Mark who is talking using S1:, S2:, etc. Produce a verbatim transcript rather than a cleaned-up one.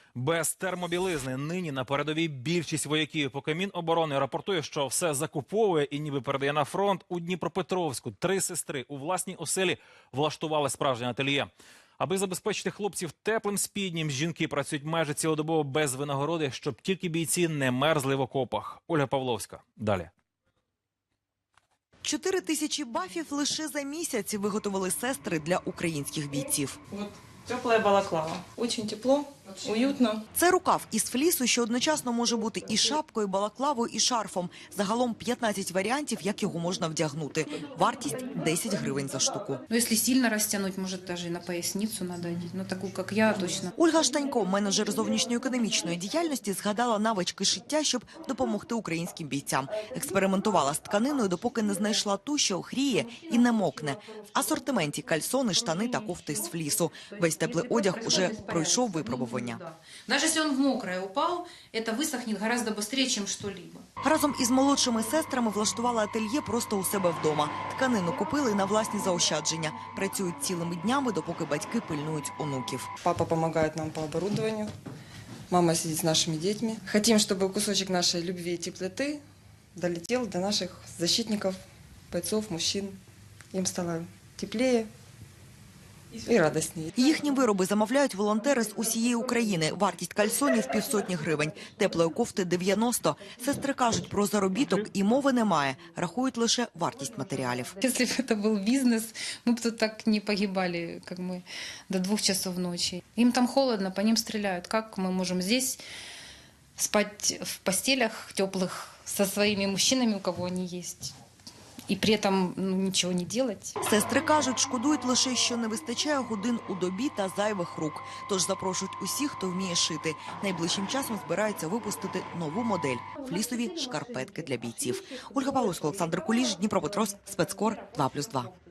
S1: Без термобілизни нині на передовій більшість вояків. Поки Міноборони рапортує, що все закуповує і ніби передає на фронт, у Дніпропетровську три сестри у власній оселі влаштували справжнє ательє. Аби забезпечити хлопців теплим спіднім, жінки працюють майже цілодобово без винагороди, щоб тільки бійці не мерзли в окопах. Ольга Павловська. Далі.
S2: Чотири тисячі бафів лише за місяць виготовили сестри для українських бійців.
S3: Вот теплая балаклава. Очень тепло, уютно.
S2: Це рукав із флісу, що одночасно може бути і шапкою, балаклавою, і шарфом. Загалом п'ятнадцять варіантів, як його можна вдягнути. Вартість – десять гривень за штуку.
S4: Ну, если сильно растянуть, может, даже и на поясницу надо одеть. Ну, такую, как я, точно.
S2: Ольга Штанько, менеджер зовнішньоекономічної діяльності, згадала навички шиття, щоб допомогти українським бійцям. Експериментувала з тканиною, допоки не знайшла ту, що гріє і не мокне. В асортименті кальсони, штани та кофти з флісу. Весь теплий одяг уже пройшов випробування.
S4: Даже если он в мокрое упал, это высохнет гораздо быстрее, чем что-либо.
S2: Разом із молодшими сестрами влаштувала ательє просто у себе вдома. Тканину купили на власні заощадження. Працюють цілими днями, допоки батьки пильнують онуків.
S3: Папа помогает нам по оборудованию. Мама сидит с нашими детьми. Хотим, чтобы кусочек нашей любви и теплоты долетел до наших защитников, бойцов, мужчин. Им стало теплее і радісніше.
S2: Їхні вироби замовляють волонтери з усієї України. Вартість кальсонів – півсотні гривень, теплої кофти – дев'яносто. Сестри кажуть, про заробіток і мови немає, рахують лише вартість матеріалів.
S4: Если бы это был бизнес, мы бы тут так не погибали, как мы, до двух часов ночи. Им там холодно, по ним стреляют. Как мы можем здесь спать в постелях теплых со своими мужчинами, у кого они есть, и при этом ну, ничего не делать?
S2: Сестри кажуть, шкодують лише, що не вистачає годин у добі та зайвих рук. Тож запрошують усіх, хто вміє шити. Найближчим часом збираються випустити нову модель – флісові шкарпетки для бійців. Ольга Павловська, Олександр Куліш, Дніпропетровськ, спецкор два плюс два.